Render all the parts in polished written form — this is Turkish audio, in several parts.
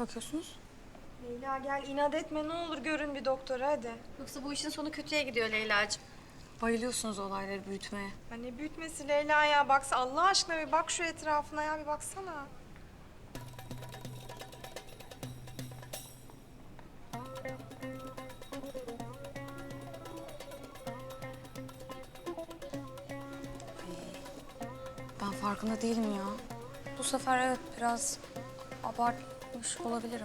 bakıyorsunuz? Leyla gel inat etme ne olur görün bir doktora hadi. Yoksa bu işin sonu kötüye gidiyor Leyla'cığım. Bayılıyorsunuz olayları büyütmeye. Ya ne büyütmesi Leyla ya baksa Allah aşkına bir bak şu etrafına ya bir baksana. Ben farkında değilim ya. Bu sefer evet biraz abartmış olabilirim.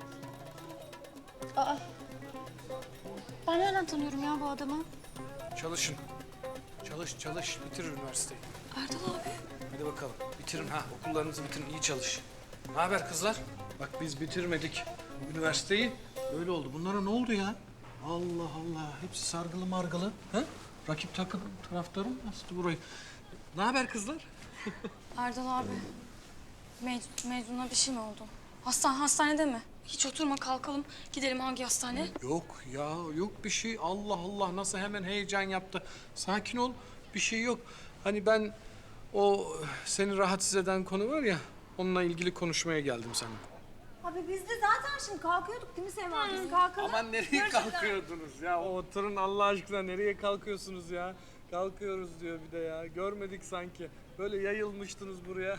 Aa. Ben nereden tanıyorum ya bu adamı? Çalışın. Çalış. Bitir üniversiteyi. Erdal abi. Hadi bakalım. Bitirin ha. Okullarınızı bitirin. İyi çalış. Ne haber kızlar? Bak biz bitirmedik üniversiteyi. Öyle oldu. Bunlara ne oldu ya? Allah Allah. Hepsi sargılı margılı. Ha? Rakip takım taraftarı mı bastı burayı? Ne haber kızlar? Erdal abi. Mecnun'a bir şey mi oldu? Hastanede mi? Hiç oturma kalkalım. Gidelim hangi hastane? Yok ya. Yok bir şey. Allah Allah. Nasıl hemen heyecan yaptı. Sakin ol. Bir şey yok. Hani ben o seni rahatsız eden konu var ya. Onunla ilgili konuşmaya geldim sana. Abi biz de zaten şimdi kalkıyorduk değil mi Sema? Biz kalkalım. Aman nereye kalkıyordunuz ya? Oturun Allah aşkına nereye kalkıyorsunuz ya? Kalkıyoruz diyor bir de ya. Görmedik sanki. Böyle yayılmıştınız buraya.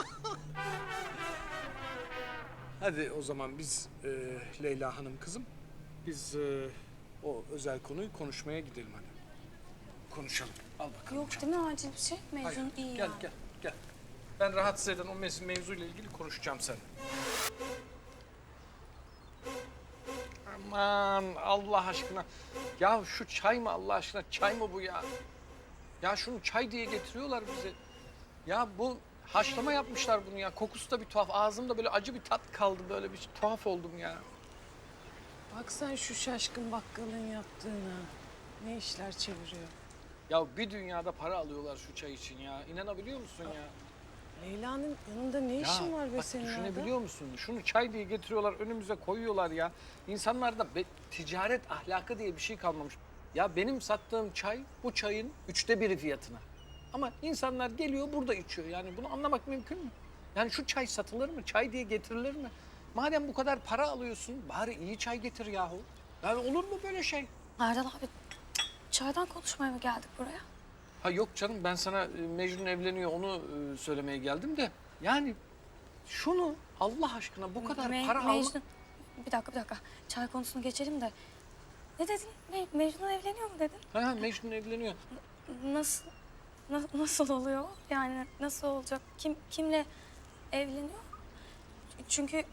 Hadi o zaman biz Leyla Hanım kızım. Biz o özel konuyu konuşmaya gidelim hadi. Konuşalım. Al bakalım. Yok değil mi acil bir şey? Hayır, Mecnun iyi gel, yani. gel. Ben rahatsız eden o mevzuyla ilgili konuşacağım seninle. Aman Allah aşkına. Ya şu çay mı Allah aşkına? Çay mı bu ya? Ya şunu çay diye getiriyorlar bize. Ya bu haşlama yapmışlar bunu ya. Kokusu da bir tuhaf. Ağzımda böyle acı bir tat kaldı. Böyle bir tuhaf oldum ya. Bak sen şu şaşkın bakkalın yaptığına. Ne işler çeviriyor. Ya bir dünyada para alıyorlar şu çay için ya. İnanabiliyor musun ya? Leyla'nın yanında ne işin var be bak senin düşünebiliyor musun? Şunu çay diye getiriyorlar, önümüze koyuyorlar ya. İnsanlarda ticaret ahlakı diye bir şey kalmamış. Ya benim sattığım çay bu çayın 1/3 fiyatına. Ama insanlar geliyor burada içiyor. Yani bunu anlamak mümkün mü? Yani şu çay satılır mı? Çay diye getirilir mi? Madem bu kadar para alıyorsun bari iyi çay getir yahu. Yani olur mu böyle şey? Erdal abi çaydan konuşmaya mı geldik buraya? Ha yok canım ben sana Mecnun evleniyor onu söylemeye geldim de. Yani şunu Allah aşkına bu kadar para alma... Mecnun. Bir dakika. Çay konusunu geçelim de. Ne dedin? Mecnun evleniyor mu dedin? Ha Mecnun evleniyor. Nasıl? Nasıl oluyor? Yani nasıl olacak? Kimle evleniyor? Çünkü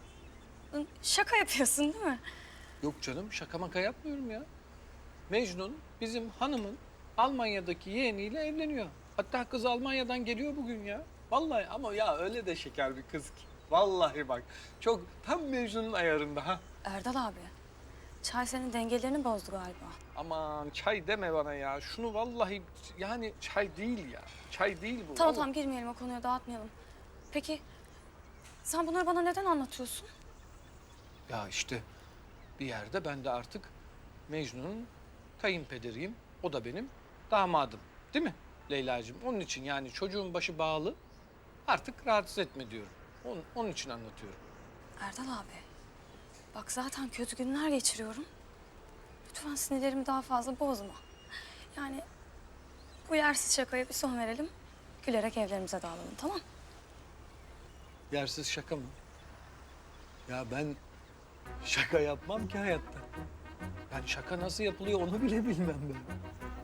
şaka yapıyorsun değil mi? Yok canım şaka maka yapmıyorum ya. Mecnun bizim hanımın Almanya'daki yeğeniyle evleniyor. Hatta kız Almanya'dan geliyor bugün ya. Vallahi ama ya öyle de şeker bir kız ki. Vallahi bak çok tam Mecnun'un ayarında ha. Erdal abi. Çay senin dengelerini bozdu galiba. Aman çay deme bana ya. Şunu vallahi yani çay değil ya. Çay değil bu. Tamam girmeyelim o konuya dağıtmayalım. Peki sen bunları bana neden anlatıyorsun? Ya işte bir yerde ben de artık Mecnun'un kayınpederiyim. O da benim damadım. Değil mi Leyla'cığım? Onun için yani çocuğun başı bağlı. Artık rahatsız etme diyorum. Onun için anlatıyorum. Erdal abi. Bak zaten kötü günler geçiriyorum. Lütfen sinirlerimi daha fazla bozma. Yani bu yersiz şakaya bir son verelim. Gülerek evlerimize dağılalım tamam? Yersiz şaka mı? Ya ben şaka yapmam ki hayatta. Ben şaka nasıl yapılıyor onu bile bilmem ben.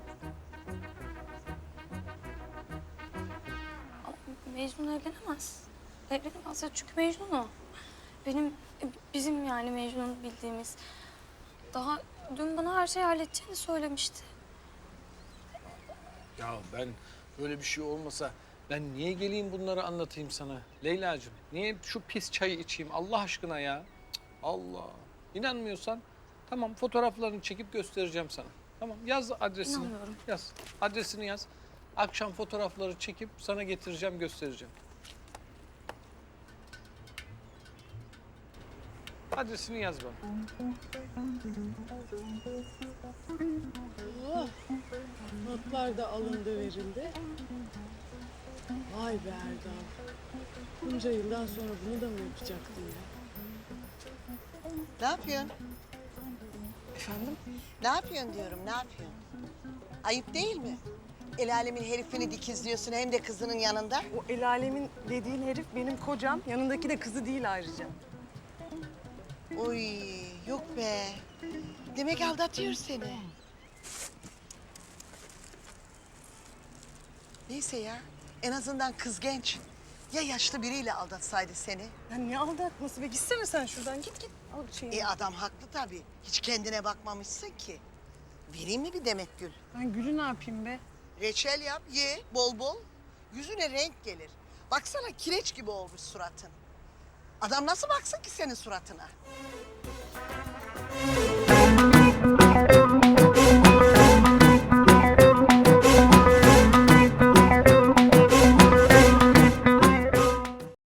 Ama Mecnun evlenemez. Evlenemez ya çünkü Mecnun o. Bizim yani Mecnun bildiğimiz. Daha dün bana her şeyi halledeceğini söylemişti. Ya ben böyle bir şey olmasa ben niye geleyim bunları anlatayım sana Leyla'cığım? Niye şu pis çayı içeyim Allah aşkına ya? Cık, Allah. İnanmıyorsan tamam fotoğraflarını çekip göstereceğim sana. Tamam yaz adresini. İnanmıyorum. Yaz. Adresini yaz. Akşam fotoğrafları çekip sana getireceğim göstereceğim. Adresini yaz bana. Allah. Notlar da alındı verildi. Vay be Erdal. Bunca yıldan sonra bunu da mı yapacaktın ya? Ne yapıyorsun? Efendim? Ne yapıyorsun diyorum, ne yapıyorsun? Ayıp değil mi? El alemin herifini dikizliyorsun hem de kızının yanında. O el alemin dediğin herif benim kocam. Yanındaki de kızı değil ayrıca. Oy, yok be. Demek aldatıyor seni. Neyse ya, en azından kız genç. Ya yaşlı biriyle aldatsaydı seni? Ya ne aldatması be? Gitsene sen şuradan. Git. Al şeyini. Adam haklı tabii. Hiç kendine bakmamışsın ki. Vereyim mi bir demet gül? Ben Gül'ü ne yapayım be? Reçel yap, ye bol bol. Yüzüne renk gelir. Baksana kireç gibi olmuş suratın. Adam nasıl baksın ki senin suratına?